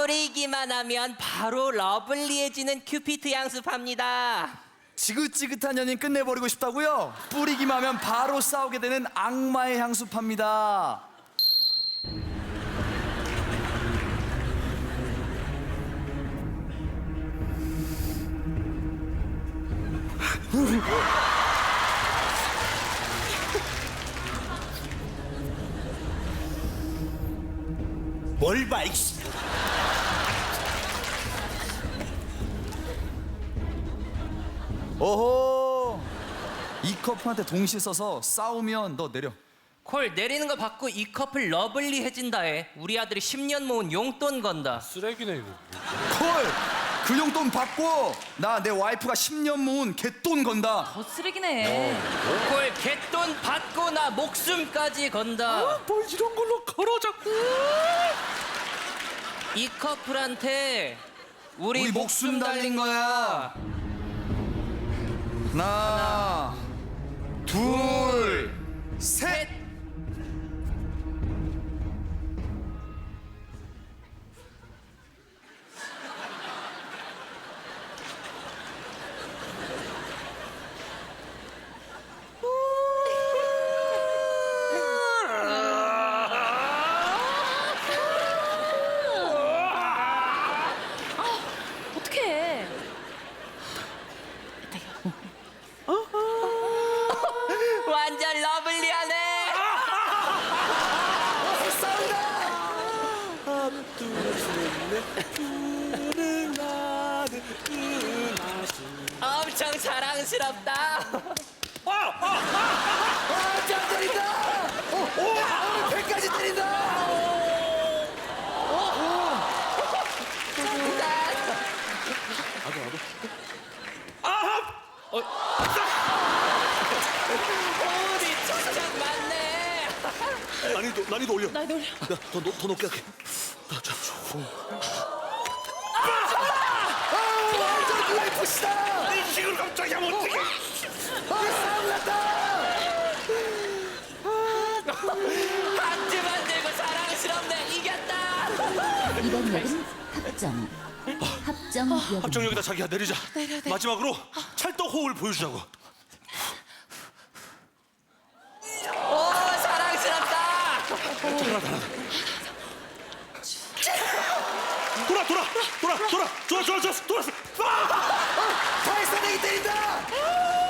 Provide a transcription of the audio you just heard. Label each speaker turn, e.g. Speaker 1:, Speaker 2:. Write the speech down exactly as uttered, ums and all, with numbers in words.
Speaker 1: 뿌리기만 하면 바로 러블리해지는 큐피트 향수 팝니다.
Speaker 2: 지긋지긋한 연인 끝내버리고 싶다고요? 뿌리기만 하면 바로 싸우게 되는 악마의 향수 팝니다.
Speaker 3: 뭘 봐, 이씨.
Speaker 2: 오호, 이 커플한테 동시에 써서 싸우면 너 내려.
Speaker 1: 콜 내리는 거 받고 이 커플 러블리해진다에 우리 아들이 십 년 모은 용돈 건다.
Speaker 4: 쓰레기네 이거.
Speaker 2: 콜! 그 용돈 받고 나 내 와이프가 십 년 모은 개돈 건다.
Speaker 5: 더 쓰레기네.
Speaker 1: 콜 개돈 받고 나 목숨까지 건다.
Speaker 4: 뭘 이런 걸로 걸어 자꾸.
Speaker 1: 이 커플한테 우리,
Speaker 2: 우리 목숨 달린 거야. 하나, 둘, 셋.
Speaker 5: 어떡해.
Speaker 1: 완전 러블리하네. 엄청 사랑스럽다.
Speaker 2: 아, 짱 때린다! 오, 오, 배까지 때린다!
Speaker 1: 오리 척척 맞네.
Speaker 3: 난이도, 난이도 올려.
Speaker 5: 나 놀려.
Speaker 3: 나 더, 높- 더 높게 할게. 나, 자,
Speaker 2: 아, 완전 유에프씨다!
Speaker 3: 이 식으로 깜짝이야, 어떡해.
Speaker 2: 아, 싸움 났다!
Speaker 1: 하트 만들고 사랑스럽네. 이겼다.
Speaker 6: 이번 역은 합정. 합정 역.
Speaker 3: 합정역이다, 자기야. 내리자. 마지막으로 찰떡호흡을 보여주자고.
Speaker 1: 오 사랑스럽다.
Speaker 3: 돌아, 돌아, 돌아, 돌아, 돌아, 돌아, 돌아, 돌아.
Speaker 2: 발사대기 때린다!